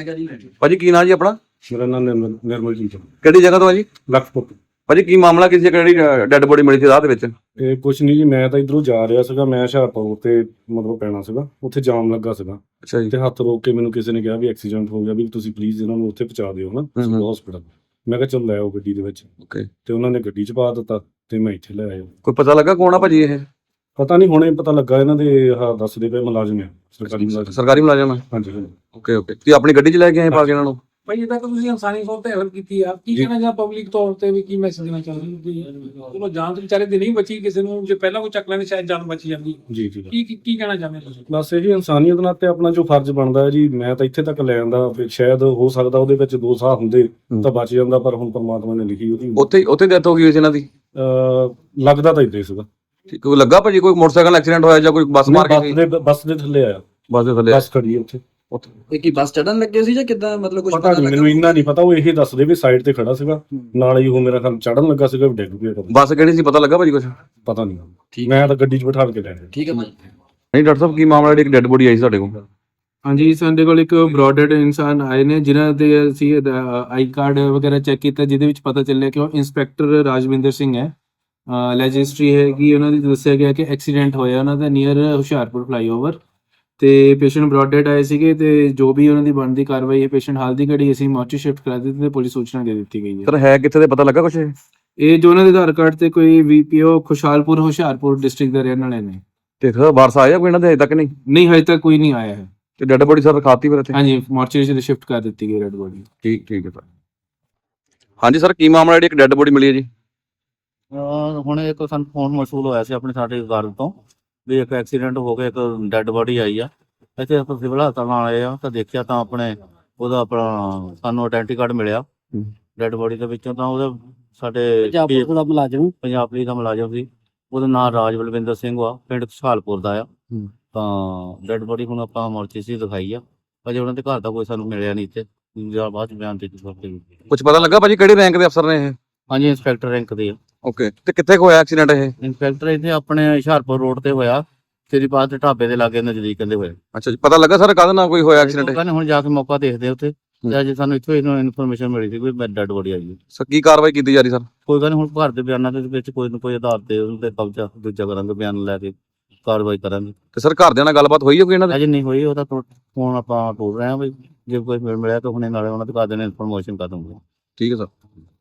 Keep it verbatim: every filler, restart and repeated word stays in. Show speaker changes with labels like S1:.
S1: ਭਾਜੀ ਕੀ ਨਾਂ ਜੀ ਆਪਣਾ?
S2: ਮੇਰਾ ਨਾਮ ਨਿਰਮਲ ਨਿਰਮਲਜੀਤ ਹੈ।
S1: ਕਿਹੜੀ ਜਗ੍ਹਾ ਤੋਂ ਆ ਜੀ?
S2: ਲਖਪੁਰ।
S1: ਭਾਜੀ ਕੀ ਮਾਮਲਾ, ਕਿਸੇ ਕਿਹੜੀ ਡੈੱਡ ਬੋਡੀ ਮਿਲੀ ਸੀ ਰਾਹ ਦੇ ਵਿੱਚ?
S2: ਇਹ ਕੁਛ ਨਹੀਂ ਜੀ, ਮੈਂ ਤਾਂ ਇਧਰੋਂ ਜਾ ਰਿਹਾ ਸੀਗਾ, ਮੈਂ ਹੁਸ਼ਿਆਰਪੁਰ ਤੇ ਮਤਲਬ ਪੈਣਾ ਸੀਗਾ, ਉੱਥੇ ਜਾਮ ਲੱਗਾ ਸੀਗਾ
S1: ਅੱਛਾ ਜੀ।
S2: ਤੇ ਹੱਥ ਰੋਕ ਕੇ ਮੈਨੂੰ ਕਿਸੇ ਨੇ ਕਿਹਾ ਵੀ ਐਕਸੀਡੈਂਟ ਹੋ ਗਿਆ, ਵੀ ਤੁਸੀਂ ਪਲੀਜ਼ ਇਹਨਾਂ ਨੂੰ ਉੱਥੇ ਪਹੁੰਚਾ ਦਿਓ ਨਾ ਹਸਪੀਟਲ। ਮੈਂ ਕਿਹਾ ਚੱਲ ਲੈ ਆਓ ਗੱਡੀ ਦੇ ਵਿੱਚ,
S1: ਓਕੇ।
S2: ਤੇ ਉਹਨਾਂ ਨੇ ਗੱਡੀ 'ਚ ਪਾ ਦਿੱਤਾ ਤੇ ਮੈਂ ਇੱਥੇ ਲੈ ਆਇਆ।
S1: ਕੋਈ ਪਤਾ ਲੱਗਾ ਕੌਣ ਆ ਭਾਜੀ ਇਹ?
S2: ਪਤਾ ਨਹੀਂ, ਹੁਣੇ ਪਤਾ ਲੱਗਾ, ਇਹਨਾਂ ਦੇ ਆਹ ਦੱਸਦੇ ਪਏ ਮੁਲਾਜ਼ਮ ਆ, ਸਰਕਾਰੀ ਮੁਲਾਜ਼ਮ।
S1: ਸਰਕਾਰੀ ਮੁਲਾਜ਼ਮ ਹੈ?
S2: ਹਾਂਜੀ ਹਾਂਜੀ।
S1: Okay okay. ਤੁਸੀਂ ਆਪਣੀ ਗੱਡੀ 'ਚ ਲੈ ਕੇ ਆਏ ਪਾ ਕੇ ਇਹਨਾਂ ਨੂੰ?
S3: ਭਾਈ ਇਹ ਤਾਂ ਤੁਸੀਂ ਇਨਸਾਨੀ ਤੌਰ ਤੇ ਹੈਲਪ ਕੀਤੀ ਆ, ਕੀ ਕਹਿਣਾ ਜਾਂ ਪਬਲਿਕ ਤੌਰ ਤੇ ਵੀ ਕੀ ਮੈਸੇਜ ਦੇਣਾ ਚਾਹੁੰਦੇ ਹੋ? ਚਲੋ ਜਾਨ ਤੇ ਵਿਚਾਰੇ ਦੀ ਨਹੀਂ ਬਚੀ, ਕਿਸੇ ਨੂੰ ਜੇ ਪਹਿਲਾਂ ਕੋਈ ਚੱਕ ਲੈਂਦੇ ਸ਼ਾਇਦ ਜਾਨ ਬਚ ਜਾਂਦੀ।
S2: ਜੀ ਜੀ।
S3: ਕੀ ਕੀ ਕੀ ਕਹਿਣਾ ਚਾਹੁੰਦੇ ਤੁਸੀਂ?
S2: ਬਸ ਇਹੀ ਇਨਸਾਨੀਅਤ ਨਾਲ ਤੇ ਆਪਣਾ ਜੋ ਫਰਜ਼ ਬਣਦਾ ਹੈ ਜੀ, ਮੈਂ ਤਾਂ ਇੱਥੇ ਤੱਕ ਲੈ ਆਂਦਾ, ਫਿਰ ਸ਼ਾਇਦ ਹੋ ਸਕਦਾ ਉਹਦੇ ਵਿੱਚ ਦੋ ਸਾਹ ਹੁੰਦੇ ਤਾਂ ਬਚ ਜਾਂਦਾ, ਪਰ ਹੁਣ ਪਰਮਾਤਮਾ ਨੇ ਲਿਖੀ ਉਹਦੀ।
S1: ਉੱਥੇ ਉੱਥੇ ਡੈਥ ਹੋ ਗਈ ਹੋਈ ਸੀ ਇਹਨਾਂ ਦੀ?
S2: ਅਹ ਲੱਗਦਾ ਤਾਂ ਇੱਦਾਂ ਹੀ ਸੀਗਾ।
S1: ਠੀਕ। ਕੋਈ ਲੱਗਾ ਭਾਜੀ ਕੋਈ ਮੋਟਰਸਾਈਕਲ ਐਕਸੀਡੈਂਟ ਹੋਇਆ ਜਾਂ ਕੋਈ ਬੱਸ ਮਾਰ ਕੇ ਗਈ?
S2: ਬੱਸ ਦੇ ਬੱਸ ਦੇ ਥੱਲੇ ਆਇਆ,
S1: ਬੱਸ ਦੇ ਥੱਲੇ?
S2: ਬੱਸ ਖੜੀ ਹੈ ਉੱਥੇ।
S4: ਇਹ ਕੀ ਬੱਸ ਚੜਨ ਲੱਗੇ ਸੀ ਜਾਂ ਕਿੱਦਾਂ, ਮਤਲਬ ਕੁਝ
S2: ਪਤਾ ਨਹੀਂ ਮੈਨੂੰ, ਇੰਨਾ ਨਹੀਂ ਪਤਾ। ਉਹ ਇਹ ਦੱਸਦੇ ਵੀ ਸਾਈਡ ਤੇ ਖੜਾ ਸੀਗਾ, ਨਾਲ ਹੀ ਉਹ ਮੇਰਾ ਖਿਆਲ ਚੜਨ ਲੱਗਾ ਸੀਗਾ, ਡਿੱਗ ਪਿਆ।
S1: ਬੱਸ ਕਿਹੜੀ ਸੀ, ਪਤਾ ਲੱਗਾ ਭਾਜੀ ਕੁਝ?
S2: ਪਤਾ ਨਹੀਂ, ਮੈਂ ਤਾਂ ਗੱਡੀ 'ਚ ਬਿਠਾ ਕੇ ਲੈ ਗਿਆ।
S4: ਠੀਕ ਹੈ ਭਾਈ।
S1: ਨਹੀਂ ਡਾਕਟਰ ਸਾਹਿਬ, ਕੀ ਮਾਮਲਾ ਜਿਹੜੀ ਇੱਕ ਡੈੱਡ ਬੋਡੀ ਆਈ ਸਾਡੇ ਕੋਲ?
S5: ਹਾਂਜੀ, ਸਾਡੇ ਕੋਲ ਇੱਕ ਬ੍ਰੌਡਡ ਇਨਸਾਨ ਆਏ ਨੇ ਜਿਨ੍ਹਾਂ ਦੇ ਅਸੀਂ ਆਈ ਕਾਰਡ ਵਗੈਰਾ ਚੈੱਕ ਕੀਤਾ, ਜਿਹਦੇ ਵਿੱਚ ਪਤਾ ਚੱਲਿਆ ਕਿ ਉਹ ਇੰਸਪੈਕਟਰ ਰਾਜਵਿੰਦਰ ਸਿੰਘ ਹੈ। ਅਲੈਜ ਹਿਸਟਰੀ ਹੈ ਕਿ ਉਹਨਾਂ ਦੀ ਦੱਸਿਆ ਗਿਆ ਕਿ ਐਕਸੀਡੈਂਟ ਹੋਇਆ ਉਹਨਾਂ ਦਾ ਨੀਅਰ ਹੁਸ਼ਿਆਰਪੁਰ ਫਲਾਈਓਵਰ, ਤੇ ਪੇਸ਼ੈਂਟ ਬ੍ਰੌਡਡ ਆਏ ਸੀਗੇ, ਤੇ ਜੋ ਵੀ ਉਹਨਾਂ ਦੀ ਬਣਦੀ ਕਾਰਵਾਈ ਹੈ ਪੇਸ਼ੈਂਟ ਹਾਲ ਦੀ ਘੜੀ ਅਸੀਂ ਮੌਰਚੀ ਸ਼ਿਫਟ ਕਰਾ ਦਿੱਤੀ ਤੇ ਪੁਲਿਸ ਸੂਚਨਾ ਦੇ ਦਿੱਤੀ ਗਈ ਹੈ।
S1: ਸਰ ਹੈ ਕਿੱਥੇ ਦੇ ਪਤਾ ਲੱਗਾ ਕੁਝ?
S5: ਇਹ ਜੋ ਉਹਨਾਂ ਦੇ ਆਧਾਰ ਕਾਰਡ ਤੇ ਕੋਈ ਵੀਪੀਓ ਖੁਸ਼ਹਾਲਪੁਰ ਹੁਸ਼ਿਆਰਪੁਰ ਡਿਸਟ੍ਰਿਕਟ ਦੇ ਰਹਿਣ ਵਾਲੇ ਨੇ।
S1: ਤੇ ਸਰ ਵਾਰਸ ਆਇਆ ਕੋਈ ਇਹਨਾਂ ਦੇ ਹਜੇ ਤੱਕ? ਨਹੀਂ
S5: ਨਹੀਂ, ਹਜੇ ਤੱਕ ਕੋਈ ਨਹੀਂ ਆਇਆ ਹੈ।
S1: ਤੇ ਡੈੱਡ ਬੋਡੀ ਸਰ ਰਖਾਤੀ ਫਿਰ ਇੱਥੇ?
S5: ਹਾਂਜੀ, ਮੌਰਚੀ 'ਚ ਸ਼ਿਫਟ ਕਰ ਦਿੱਤੀ ਗਈ ਡੈਡ ਬੋਡੀ।
S1: ਠੀਕ ਠੀਕ ਹੈ ਸਰ। ਹਾਂਜੀ ਸਰ, ਕੀ ਮਾਮਲਾ ਜਿਹੜੀ ਇੱਕ ਡੈੱਡ ਬੋਡੀ ਮਿਲੀ ਹੈ ਜੀ?
S6: ਹੁਣ ਇੱਕ ਸਾਨੂੰ ਫੋਨ ਮਸੂਲ ਹੋਇਆ ਸੀ ਆਪਣੇ ਸਾਡੇ ਘਰ ਤੋਂ ਵੀ ਇੱਕ ਐਕਸੀਡੈਂਟ ਹੋ ਗਿਆ, ਇੱਕ ਡੈੱਡ ਬੋਡੀ ਆਈ ਆ ਇੱਥੇ। ਆਪਾਂ ਸਿਵਲ ਹਸਪਤਾਲ ਆਏ ਆ ਤਾਂ ਦੇਖਿਆ ਤਾਂ ਆਪਣੇ ਉਹਦਾ ਆਪਣਾ ਸਾਨੂੰ ਆਇਡੈਂਟੀ ਕਾਰਡ ਮਿਲਿਆ ਡੈੱਡ ਬੋਡੀ ਦੇ ਵਿੱਚੋਂ। ਤਾਂ ਉਹਦਾ ਸਾਡੇ
S4: ਪੰਜਾਬ ਦਾ ਮੁਲਾਜ਼ਮ
S6: ਪੰਜਾਬ ਪੁਲਿਸ ਦਾ ਮੁਲਾਜ਼ਮ ਸੀ, ਉਹਦਾ ਨਾਮ ਰਾਜ ਬਲਵਿੰਦਰ ਸਿੰਘ ਆ, ਪਿੰਡ ਖੁਸ਼ਹਾਲਪੁਰ ਦਾ ਆ। ਤਾਂ ਡੈੱਡ ਬੋਡੀ ਹੁਣ ਆਪਾਂ ਮੋਰਚੀ 'ਚ ਦਿਖਾਈ ਆ, ਅਜੇ ਉਹਨਾਂ ਦੇ ਘਰ ਦਾ ਕੋਈ ਸਾਨੂੰ ਮਿਲਿਆ ਨਹੀਂ ਇੱਥੇ, ਬਾਅਦ 'ਚ ਬਿਆਨ ਦੇ ਦਿੱਤੇ।
S1: ਕੁਝ ਪਤਾ ਲੱਗਾ ਭਾਜੀ ਕਿਹੜੇ ਰੈਂਕ ਦੇ ਅਫਸਰ ਨੇ ਇਹ?
S6: ਹਾਂਜੀ, ਇੰਸਪੈਕਟਰ ਰੈਂਕ ਦੇ ਆ।
S1: ਓਕੇ। ਤੇ ਕਿੱਥੇ ਹੋਇਆ ਐਕਸੀਡੈਂਟ ਇਹ?
S6: ਇੰਸਪੈਕਟਰ ਇੱਥੇ ਆਪਣੇ ਹੁਸ਼ਿਆਰਪੁਰ ਰੋਡ ਤੇ ਹੋਇਆ, ਤੇਰੀ ਬਾਤ ਦੇ ਢਾਬੇ ਦੇ ਲਾਗੇ ਨਜ਼ਦੀਕ ਕਹਿੰਦੇ ਹੋਏ।
S1: ਅੱਛਾ ਜੀ। ਪਤਾ ਲੱਗਾ ਸਰ ਕਾਹਦੇ ਨਾਲ ਕੋਈ ਹੋਇਆ ਐਕਸੀਡੈਂਟ?
S6: ਕਹਿੰਦੇ ਹੁਣ ਜਾ ਕੇ ਮੌਕਾ ਦੇਖਦੇ ਉੱਥੇ, ਤੇ ਅੱਜ ਸਾਨੂੰ ਇੱਥੋਂ ਇਨਫੋਰਮੇਸ਼ਨ ਮਿਲੀ ਸੀ ਕੋਈ ਡੈਡ ਬੋਡੀ ਆਈ।
S1: ਸਰ ਕੀ ਕਾਰਵਾਈ ਕੀਤੀ ਜਾ ਰਹੀ ਸਰ?
S6: ਕੋਈ ਗੱਲ ਨਹੀਂ, ਹੁਣ ਘਰ ਦੇ ਬਿਆਨਾਂ ਦੇ ਵਿੱਚ ਕੋਈ ਨਾ ਕੋਈ ਆਧਾਰ ਤੇ ਉਹਦੇ ਕਬਜ਼ਾ ਦੂਜਾ ਕਰਾਂਗੇ, ਬਿਆਨ ਲੈ ਕੇ ਕਾਰਵਾਈ ਕਰਾਂਗੇ।
S1: ਤੇ ਸਰ ਘਰਦਿਆਂ ਨਾਲ ਗੱਲਬਾਤ ਹੋਈ ਹੈ ਕੋਈ ਇਹਨਾਂ ਦੇ?
S6: ਅਜੇ ਨਹੀਂ ਹੋਈ, ਉਹਦਾ ਫੋਨ ਆਪਾਂ ਤੋੜ ਰਹੇ ਹਾਂ ਵੀ ਜੇ ਕੋਈ ਮਿਲ ਮਿਲਿਆ ਤਾਂ ਹੁਣੇ ਨਾਲੇ ਉਹਨਾਂ ਦੇ ਘਰਦਿਆਂ ਨੇ ਇਨਫੋਰਮੇਸ਼ਨ ਕਰ ਦੂੰਗੇ।
S1: ਠੀਕ ਹੈ ਸਰ।